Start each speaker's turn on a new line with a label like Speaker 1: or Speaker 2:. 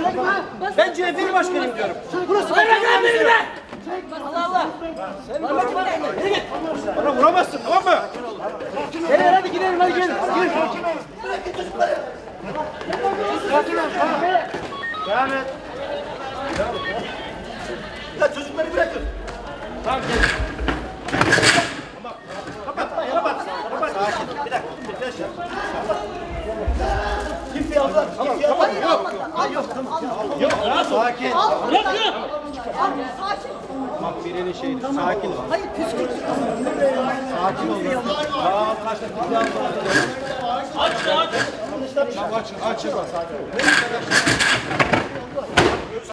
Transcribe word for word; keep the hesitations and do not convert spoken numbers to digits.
Speaker 1: Ben C H P'li başkanıyım diyorum. Burası ben ben benim be! Allah Allah! Sen bana git. Yürü git. Bana vuramazsın, tamam mı? Gel hadi gidelim, hadi gel. Gir. Bırakın çocukları. Sakin ol, tamam. Devam et. Ya çocukları bırakın. Tamam gel. Tamam. Kapat, kapat. Kapat. Sakin. Bir dakika. Bir dakika. Kimse aldı. Kimse aldı. Yok. Ay yok. Yok. Sakin.
Speaker 2: Bırakın.
Speaker 3: Sakin.
Speaker 1: Bak birinin şeyi. Sakin ol.
Speaker 3: Hayır püskürt.
Speaker 1: Sakin ol. Tamam kaçtı.
Speaker 2: Aç aç.
Speaker 1: Aç. Aç. Aç. Sakin ol.